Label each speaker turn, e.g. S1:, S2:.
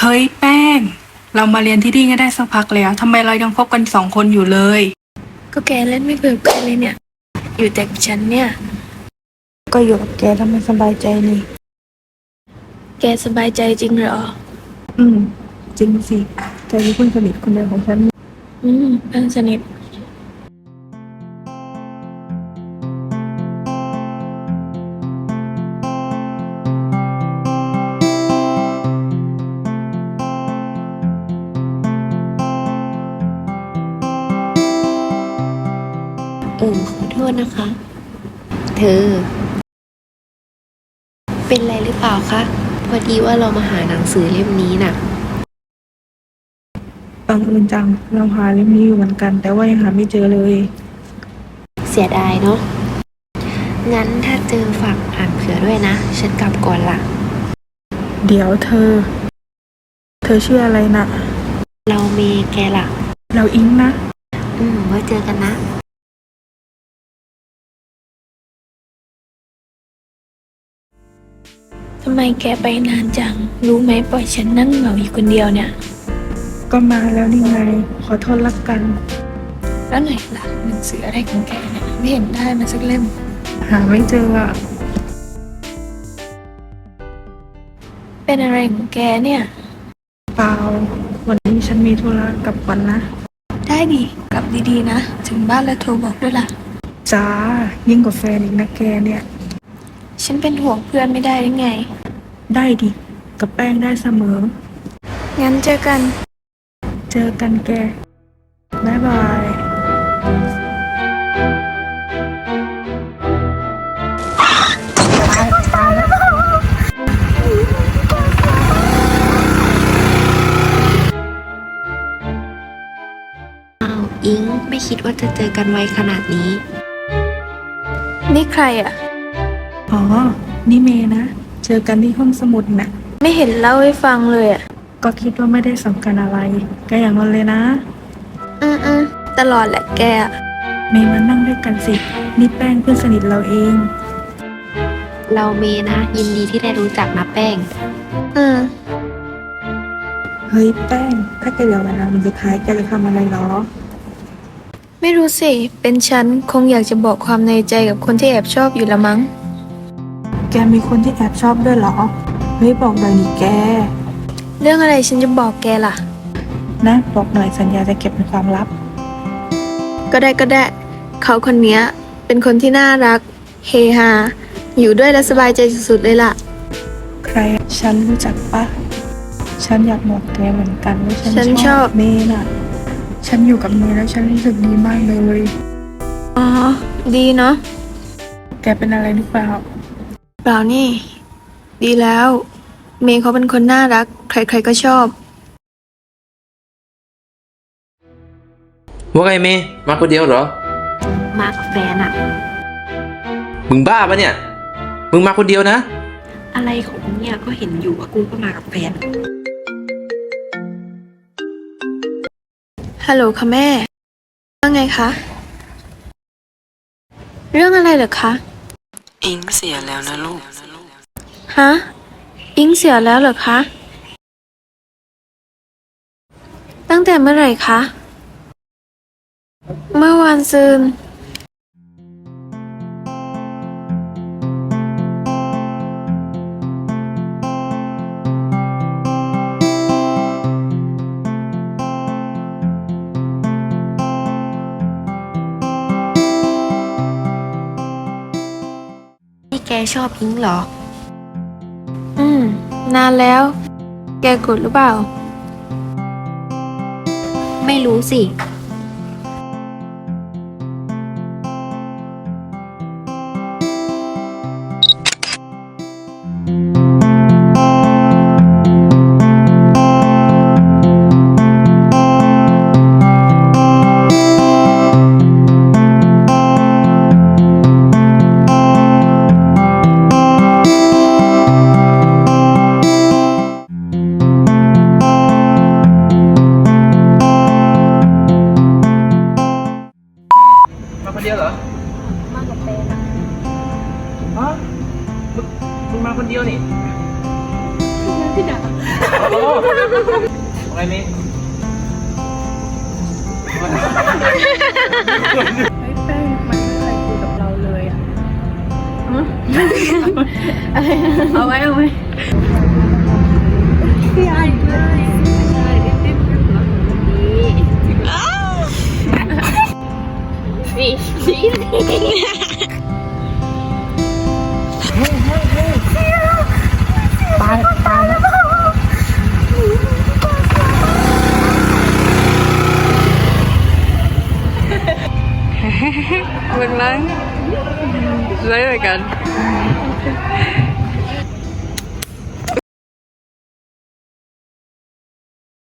S1: เฮ้ยแป้ง เรามาเรียนที่นี่ก็ได้สักพักแล้วทำไมเรายังคบกัน2 คนอยู่เลย
S2: ก็แกเล่นไม่เบื่อใครเลยเนี่ย อยู่แต่กับฉันเนี่ย
S1: ก็อยู่กับแกทำไมสบายใจนี่
S2: แกสบายใจจริงเหรอ
S1: จริงสิแกคือเพื่อนสนิทคนเดียวของฉัน
S2: เพื่อนสนิท
S3: ขอโทษนะคะ เธอ เป็นไรหรือเปล่าคะ พอดีว่าเรามาหาหนังสือเล่มนี้น่ะ
S1: บังเอิญจังเราหาเล่มนี้อยู่เหมือนกัน แต่ว่ายังหาไม่เจอเลย
S3: เสียดายเนาะ งั้นถ้าเจอฝากอ่านเผื่อด้วยนะ ฉันกลับก่อนละ
S1: เดี๋ยวเธอชื่ออะไรนะ
S3: เราเมแกล่ะ
S1: เราอิงนะ
S3: ไว้เจอกันนะ
S2: ทำไมแกไปนานจัง รู้ไหมปล่อยฉันนั่งเหงาอยู่คนเดียวเนี่ย
S1: ก็มาแล้วนี่ไง ขอโทษละกัน
S2: แล้วไหนล่ะหนังสืออะไรของแกเนี่ยไม่เห็นได้มาสักเล่ม
S1: หาไม่เจออะ
S2: เป็นอะไรของแกเนี่ย
S1: เปล่า วันนี้ฉันมีธุระกลับก่อนนะ
S2: ได้ดิกลับดีๆนะ ถึงบ้านแล้วโทรบอกด้วยล่ะ
S1: จ้า ยิ่งกว่าแฟนอีกนะแกเนี่ย
S2: ฉันเป็นห่วงเพื่อนไม่ได้หรือไง
S1: ได้ดิ กับแป้งได้เสมอ
S2: งั้นเจอกัน
S1: เจอกันแก บ๊ายบาย
S3: อ้าวอิงไม่คิดว่าจะเจอกันไวขนาดนี้
S2: นี่ใครอ่ะ
S1: อ๋อ นี่เมย์นะ เจอกันที่ห้องสมุดน่ะ
S2: ไม่เห็นเล่าให้ฟังเลยอ่ะ
S1: ก็คิดว่าไม่ได้สำคัญอะไรก็อย่างนั้นเลยนะ
S2: ตลอดแหละแกอะ
S1: เมย์มานั่งด้วยกันสิ นี่แป้งเพื่อนสนิทเราเอง
S3: เราเมนะ ยินดีที่ได้รู้จักนะแป้ง
S2: อืม
S1: เฮ้ยแป้ง ถ้าแกเหลือเวลามันสุดท้ายแกจะทำอะไรหรอ
S2: ไม่รู้สิ เป็นฉันคงอยากจะบอกความในใจกับคนที่แอบชอบอยู่ละมั้ง
S1: แกมีคนที่แอบชอบด้วยเหรอ เฮ้ยบอกหน่อยดิแก
S2: เรื่องอะไรฉันจะบอกแกล่ะ
S1: นะบอกหน่อยสัญญาจะเก็บเป็นความลับ
S2: ก็ได้ เขาคนเนี้ย เป็นคนที่น่ารัก เฮฮา อยู่ด้วยแล้วสบายใจสุดๆเลยล่ะ
S1: ใครฉันรู้จักปะ ฉันอยากบอกแกเหมือนกันว่า
S2: ฉั
S1: ฉั
S2: น
S1: น
S2: ช
S1: ช
S2: อ
S1: อบ บเมย์น่ะ ฉันอยู่กับเมย์แล้วฉันรู้สึกดีมากเลย
S2: อ๋อ ดีเนาะ
S1: แกเป็นอะไรหรือเปล่า
S2: เปล่านี่ ดีแล้ว เมย์เขาเป็นคนน่ารัก ใครๆก็ชอบ
S4: ว่าไงเมย์มาคนเดียวเหรอ
S3: มากับแฟนอะ
S4: มึงบ้าปะเนี่ย มึงมาคนเดียวนะ
S3: อะไรของมึงเนี่ยก็เห็นอยู่ว่ากูก็มากับแฟน
S2: ฮัลโหลค่ะแม่ ว่าไงคะ เรื่องอะไรเหรอคะ
S5: อิงเสียแล้วนะลูก
S2: ฮะ อิงเสียแล้วเหรอคะ ตั้งแต่เมื่อไหร่คะ เมื่อวานซืน
S3: นี่แกชอบอิงเหรอ
S2: นานแล้ว แกกดหรือเปล่า
S3: ไม่รู้สิ
S4: มาคนเดียวเหรอ
S3: มากับแฟนอะ
S4: ฮะมึงมาคนเดียวนี่
S3: น
S4: อะไรนี่
S1: แป้งมันไม่เคยคุยกับเราเลยอ่ะเอาไว้พี่ไอ้เลยมึงนั่งเลยเหมือนกัน